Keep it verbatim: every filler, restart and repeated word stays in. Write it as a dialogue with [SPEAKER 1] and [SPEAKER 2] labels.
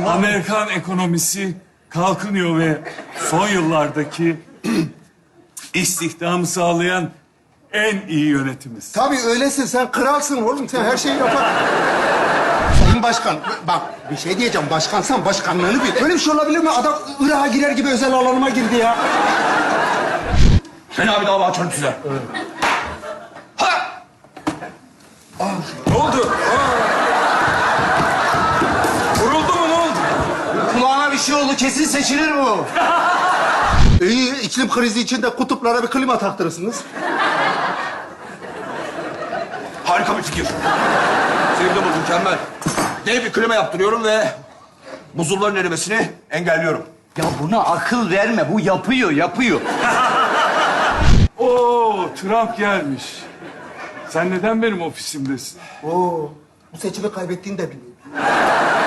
[SPEAKER 1] Amerikan ekonomisi kalkınıyor ve son yıllardaki istihdamı sağlayan en iyi yönetimiz.
[SPEAKER 2] Tabii öylesin. Sen kralsın oğlum. Sen her şeyi yapar. Sayın Başkan, bak bir şey diyeceğim. Başkansan başkanlığını bil. Böyle bir şey olabilir mi? Adam Irak'a girer gibi özel alanıma girdi ya.
[SPEAKER 3] Ben abi dava açarım size. Ha!
[SPEAKER 1] Ne oldu? Vuruldu mu, ne oldu?
[SPEAKER 3] Kulağına bir şey oldu. Kesin seçilir bu.
[SPEAKER 2] İyi, iklim krizi içinde kutuplara bir klima taktırırsınız.
[SPEAKER 3] Harika bir fikir. Sevdim bu mükemmel. Dev bir klima yaptırıyorum ve buzulların erimesini engelliyorum.
[SPEAKER 4] Ya buna akıl verme. Bu yapıyor, yapıyor.
[SPEAKER 1] Oo, Trump gelmiş. Sen neden benim ofisimdesin?
[SPEAKER 2] Oo, bu seçimi kaybettiğini de biliyorum.